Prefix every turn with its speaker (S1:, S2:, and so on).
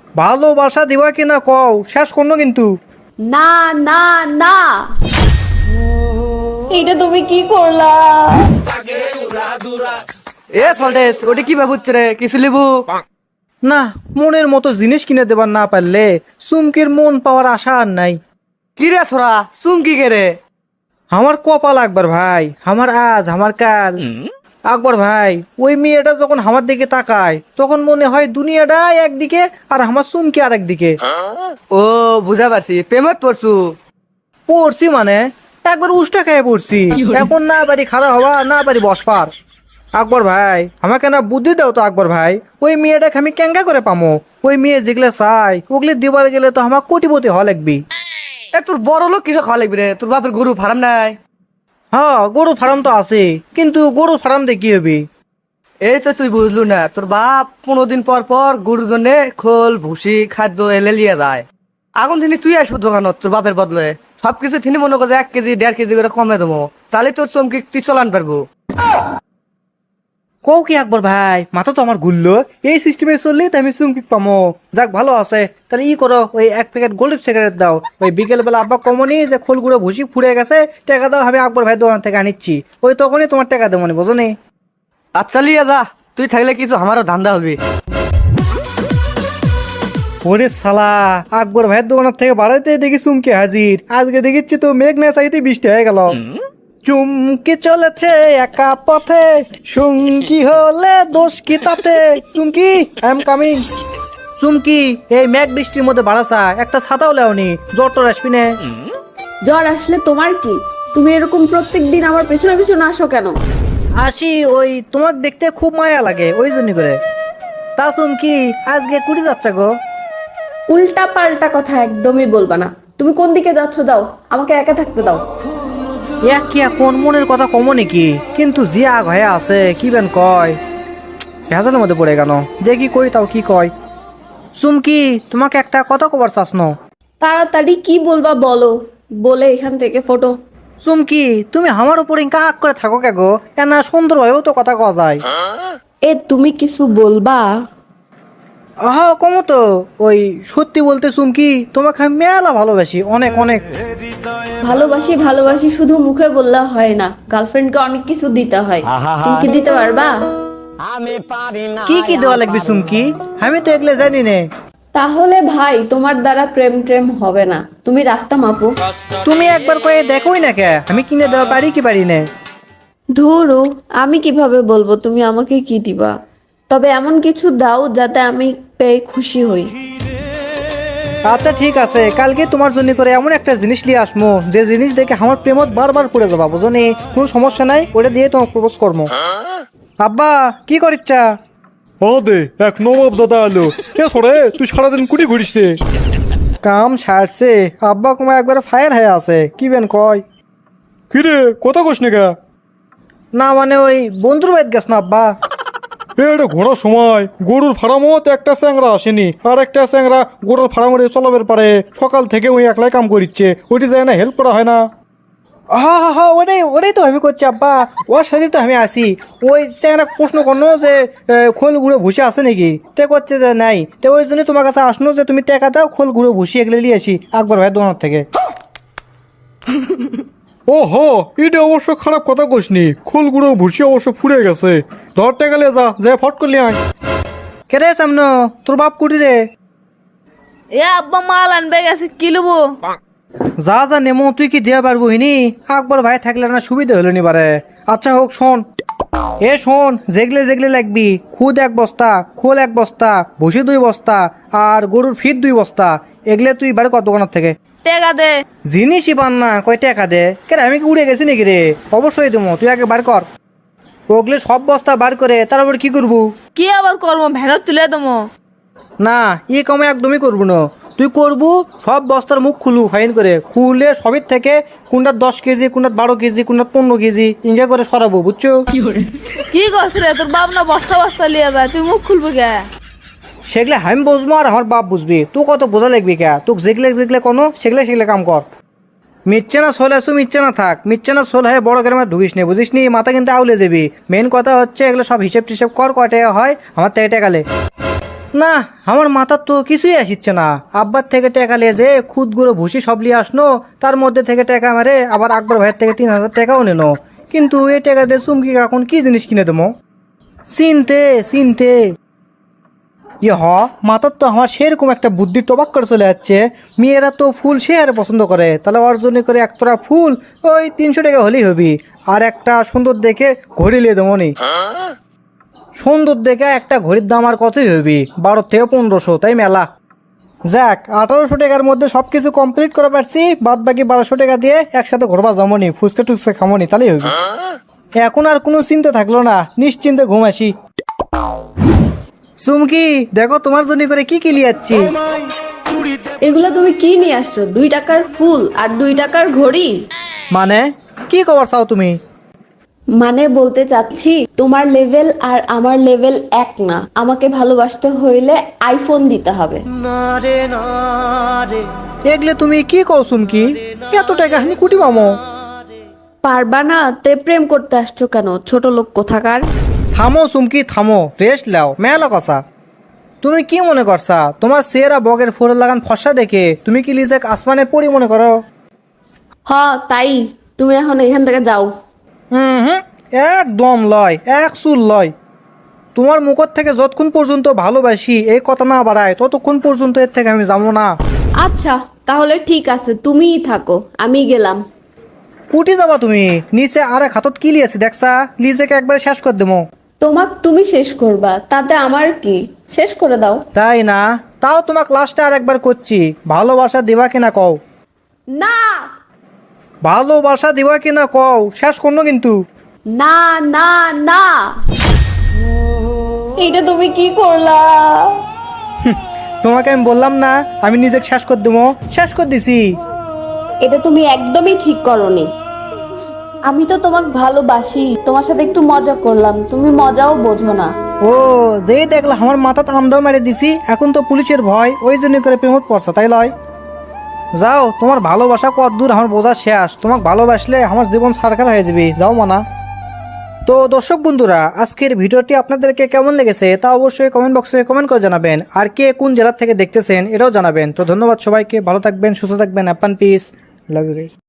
S1: ভালোবাসা দিবা কিনা কও, শেষ করনো কিন্তু।
S2: না না না, এটা তুমি কি করলা?
S3: এ সল্টেস ওটা কি ভাবুচ্ছে রে, কিছু লিবু?
S1: না, মনের মতো জিনিস কিনে দেবার না পারলে চুমকির মন পাওয়ার আশা আর নাই।
S3: কি রে ছোড়া, চুমকি কে রে?
S1: আমার কপাল আকবর ভাই, আমার আজ আমার কাল। আকবর ভাই, ওই মেয়েটা যখন আমার দিকে তাকায় তখন মনে হয় দুনিয়াটা একদিকে আর আমার চুমকি আর একদিকে।
S3: ও বুঝা পারছি, প্রেমত পড়ছু।
S1: পড়ছি মানে একবার উষ্টা খেয়ে পড়ছি, এখন না পারি খারাপ হওয়া না পারি বসপার। আকবর ভাই, আমাকে না বুদ্ধি দাও তো আকবর ভাই, ওই মেয়েটাকে আমি কেঙ্গা করে পামো? ওই মেয়ে যেগুলো চাই ওগুলি দিবার গেলে তো আমার কোটিপতি হওয়া লাগবি।
S3: এ তোর বড় লোক কিসব খাওয়া লাগবে রে? তোর বাপের গরু ফার্ম নাই?
S1: হ্যাঁ, গরু ফার্ম তো আছে, কিন্তু গরু ফার্ম দিয়ে কি হবে?
S3: এই তো তুই বুঝলু না, তোর বাপ 15 দিন পর পর গরুর জন্য খোল ভুসি খাদ্য এলে লিয়ে যায়। এখন তিনি তুই আসবো দোকানত তোর বাপের বদলে, সবকিছু তিনি মনে করে 1 কেজি 1.5 কেজি করে কমে দেবো, তাহলে তোর চমকি তুই চলান পারবো।
S1: কও কি আকবর ভাই, মাথা তো আমার ঘুরলো। এই সিস্টেমে চললে তো আমি চুমকি পামো। যাক ভালো আছে, তাহলে ই করো, ওই 1 প্যাকেট গোল্ড সিগারেট দাও। ওই বিকেল বেলা আব্বা কমনি যে খোলগুলো ভুসি ফুড়ে গেছে, টাকা দাও, আমি আকবর ভাই দোকান থেকে আনিচ্ছি। ওই তখনই তোমার টাকা দেবো মনে, বোঝো নি?
S3: আচ্ছা লিয়ে যা, তুই থাকলে কিছু আমারও ধান্দা হবে।
S1: ওরে সালা, আকবর ভাইয়ের দোকানের থেকে বাড়াইতে দেখি চুমকি হাজির। আজকে দেখিচ্ছি তো মেঘ না চাইতে বৃষ্টি হয়ে গেল। চুমকি চলেছে একা পথে, সঙ্গী হলে দোষ কি তাতে? Chumki, I am coming. Chumki, এই মেঘ বৃষ্টির মধ্যে বাড়াসা একটা ছাতাও লেওনি, জ্বর টর আসবি না।
S2: জ্বর আসলে তোমার কি? তুমি এরকম প্রত্যেকদিন আমার পেছনে পেছনে আসো কেন?
S1: আসি, ওই তোমাকে দেখতে খুব মায়া লাগে ওই জন্য করে। তা চুমকি, আজকে কুড়ি যাত্রা গো?
S2: উল্টা পাল্টা কথা একদমই বলবা না। তুমি কোন দিকে যাচ্ছ দাও, আমাকে একা থাকতে দাও।
S1: এক কি কোন মনের কথা কমো নাকি? কিন্তু যে আগ হয়ে আছে কি বেন কয়, ভেজালের মধ্যে পড়ে গেল। দেখি কই তাও কি কয়। চুমকি, তোমাকে একটা কথা কবার চাস ন?
S2: তাড়াতাড়ি কি বলবা বলো, বলে এখান থেকে ফটো।
S1: চুমকি, তুমি আমার উপরে কাক করে থাকো কে গো? এনা সুন্দরভাবেও তো কথা কওয়া যায়।
S2: এ তুমি কিছু বলবা?
S1: আহ কমো তো। ওই সত্যি বলতে চুমকি, তোমাকে আমি মেলা ভালোবাসি, অনেক অনেক।
S2: ভালোবাসি ভালোবাসি শুধু মুখে বললে হয় না, গার্লফ্রেন্ডকে অনেক কিছু দিতে হয়। তুমি কি দিতে পারবা?
S1: কি কি দেওয়া লাগবে চুমকি? আমি তো এগুলো জানি নে।
S2: তাহলে ভাই তোমার দ্বারা প্রেম প্রেম হবে না, তুমি রাস্তা মাপো।
S1: তুমি একবার কয়ে দেখোই না কে, আমি কিনে দেওয়া পারি কি পারি না?
S2: ধুরু, আমি কিভাবে বলবো তুমি আমাকে কি দিবা? তবে এমন কিছু দাও যাতে আমি পেয়ে খুশি হই।
S1: আচ্ছা ঠিক আছে, কালকে তোমার জন্য করে এমন একটা জিনিস নিয়ে আসমো যে জিনিস দেখে আমার প্রেমত বারবার পড়ে যাবা, বুঝো নি? কোনো সমস্যা নাই, ওটা দিয়ে তোমাকে প্রপোজ করবো। আব্বা, কি করিচ্ছা?
S4: ও দে এক নবাব দাদা আলো। কে সরে, তুই সারাদিন কুটি ঘুরিস রে?
S1: কাম সারছে, আব্বা কুমা একবার ফায়ার হয়ে আছে, কি বেন কয়?
S4: কি রে, কথা কস না?
S1: না মানে ওই বন্ধুর বাড়িতে গেছ না আব্বা।
S4: এটা ঘোরার সময় গরুর ফার্মও তো একটা চ্যাংরা আসেনি, আর একটা চ্যাংরা গরুর ফার্মে চলাবের পারে। সকাল থেকে ওই একলাই কাম করিচ্ছে, ওইটি যায় না, হেল্প করা হয় না?
S1: হা হা হা, ওটাই ওটাই তো আমি করছি আব্বা, ওর সাথে তো আমি আসি। ওই একটা প্রশ্ন করলো যে খোল গুঁড়ো ভুসি আছে নাকি, তে করছে যে নাই। তো ওই জন্য তোমার কাছে আসলো যে তুমি টাকা দাও, খোল গুঁড়ো ভুসি এগুলো নিয়ে আসি আকবর ভাই দোকান থেকে।
S4: ও হো, এটা অবশ্য খারাপ কথা কসনি। খোলগুলো ভুসি অবশ্য ফুরে গেছে। ধরতে গেলে যা ফট করলি আয়।
S1: কে রে সামনে, তোর বাপ কুটি রে?
S5: এ আব্বা মাল আনবে গেছে, কি লবো?
S1: যা যা নেমো, তুই কি দেওয়া পারবো হিনি? আকবর ভাই থাকলে না সুবিধা হলো নি বারে। আচ্ছা হোক, শোন। এ শোন, যেগলে যেগলে লাগবি, খুদ 1 বস্তা, খোল 1 বস্তা, ভুসি 2 বস্তা, আর গরুর ফিট 2 বস্তা। এগুলো তুই বারে কত দোকানের থেকে
S5: টেকা দে।
S1: জিনিসই পান না, কয় টাকা দে? কেন আমি কি উড়ে গেছি নাকি রে? অবশ্যই দেবো, তুই আগে বার কর। ওগুলো সব বস্তা বার করে তারপর কি করবো?
S5: কি আবার করবো, ভ্যানত তুলে দেবো।
S1: না, ই কামে একদমই করবো না। তুই করবো সব বস্তার মুখ খুলু, ফাইন করে খুলে সবের থেকে কোনটা 10 কেজি, কোনটা 12 কেজি, কোনটা 15 কেজি ইঞ্জা করে সরাবো, বুঝছো?
S5: কি করছ রে, তোর বাপ না বস্তা বস্তা লিয়ে যায়, তুই মুখ খুলবো কে?
S1: সেগুলো আমি বুঝবো আর আমার বাপ বুঝবি, তুই কত বোঝা লাগবি কে? তোকে যেগুলো যেগুলো কোনো সেগুলো কাম কর। মিচ্ছে না সোল আসু, মিচ্ছে না থাক, মিচ্ছে না সোল হয়ে বড় গ্রামে ঢুকিস নি, বুঝিস নি? মাথা কিন্তু আউলে যাবি। মেন কথা হচ্ছে এগুলো সব হিসেব টিসেব কর, কয় টাকা হয় আমার থেকে টাকালে। না, আমার মাথার তো কিছুই আসিচ্ছে না। আব্বার থেকে টাকা লিয়ে যে খুদ গুঁড়ো ভুসি সব লিয়ে আসনো, তার মধ্যে থেকে টাকা মারে আবার আকবর ভাইয়ের থেকে 3,000 টাকাও নিল। কিন্তু এই টাকা দিয়ে চুমকি এখন কি জিনিস কিনে দেবো? চিনতে চিনতে মাথার তো আমার সেরকম একটা বুদ্ধি টবাক করে চলে যাচ্ছে। মেয়েরা তো ফুল সে আরে পছন্দ করে, তাহলে অর্জন করে একতরা ফুল ওই 300 টাকা হলেই হবি। আর একটা সুন্দর দেখে ঘড়ি লিয়ে দেবো নি। সুন্দর দেখে একটা ঘড়ির দাম আর কতই হবি? 12 থেকে 1500, তাই মেলা। যাক, 1800 টাকার মধ্যে সবকিছু কমপ্লিট করে পারছি। বাদ বাকি 1200 টাকা দিয়ে একসাথে ঘুরবা যাবনি, ফুচকা টুচকা খামনি, তাহলেই হবি। এখন আর কোনো চিন্তা থাকলো না, নিশ্চিন্তে ঘুম আসি। চুমকি, দেখো তোমার জন্য করে কি কি লিয়াচ্ছি।
S2: এগুলো তুমি কি নিয়ে আসছো? 2 টাকার ফুল আর 2 টাকার ঘড়ি?
S1: মানে কি খবর চাও তুমি?
S2: মানে বলতে চাচ্ছি তোমার লেভেল আর আমার লেভেল এক না। আমাকে ভালোবাসতে হইলে আইফোন দিতে হবে।
S1: এগলে তুমি কি কও চুমকি? এত টাকা আমি কুটি পামো?
S2: পারবা না তে প্রেম করতে আসছো কেন, ছোট লোক কোথাকার?
S1: থামো চুমকি থামো, রেস্ট লাও, মেলা কষা। তুমি কি মনে করছা তোমার চেহারা বগের ফোর লাগান ফসা দেখে তুমি কি লিজেক আসমানে পড়ি মনে করো?
S2: হ তাই, তুমি এখন এখান থেকে যাও।
S1: হুম, একদম লয়, এক চুল লয়। তোমার মুখর থেকে যতক্ষণ পর্যন্ত ভালোবাসি এই কথা না বাড়ায় ততক্ষণ পর্যন্ত এর থেকে আমি যাবো না।
S2: আচ্ছা তাহলে ঠিক আছে, তুমিই থাকো, আমি গেলাম।
S1: কুটি যাবা তুমি? নিচে আরেক হাতত কি লিয়েছি দেখছা? লিজেকে একবারে শেষ করে দেবো।
S2: তুমি শেষ করবা, তাতে আমার কি? শেষ করে দাও।
S1: তাই না? তাও তোমাক লাস্টে আর একবার করছি, ভালোবাসা দিবা কিনা কও?
S2: না
S1: ভালোবাসা দিবা কিনা কও, শেষ করনো কিন্তু।
S2: না না না, এটা তুমি কি করলা?
S1: তোমাকে আমি বললাম না আমি নিজেকে শেষ করে দেবো, শেষ করে দিছি।
S2: এটা তুমি একদমই ঠিক করনি। আমি তো তোমাকে ভালোবাসি, তোমার সাথে একটু মজা করলাম, তুমি মজাও বোঝো না।
S1: ও, যেই দেখলা আমার মাথাতে আমদাও মেরে দিছি, এখন তো পুলিশের ভয়, ওই জন্য করে প্রেমত পড়ছে, তাই লয়? যাও, তোমার ভালোবাসা কত দূর আমার বোঝা শেষ। তোমাকে ভালোবাসলে আমার জীবন সারকার হয়ে যাবে, যাও মানা। তো দর্শক বন্ধুরা, আজকের ভিডিওটি আপনাদেরকে কেমন লেগেছে তা অবশ্যই কমেন্ট বক্সে কমেন্ট করে জানাবেন। আর কে কোন জেলা থেকে দেখতেছেন এটাও জানাবেন। তো ধন্যবাদ সবাইকে, ভালো থাকবেন, সুস্থ থাকবেন, অ্যাপান পিস, লাভ ইউ গাইস।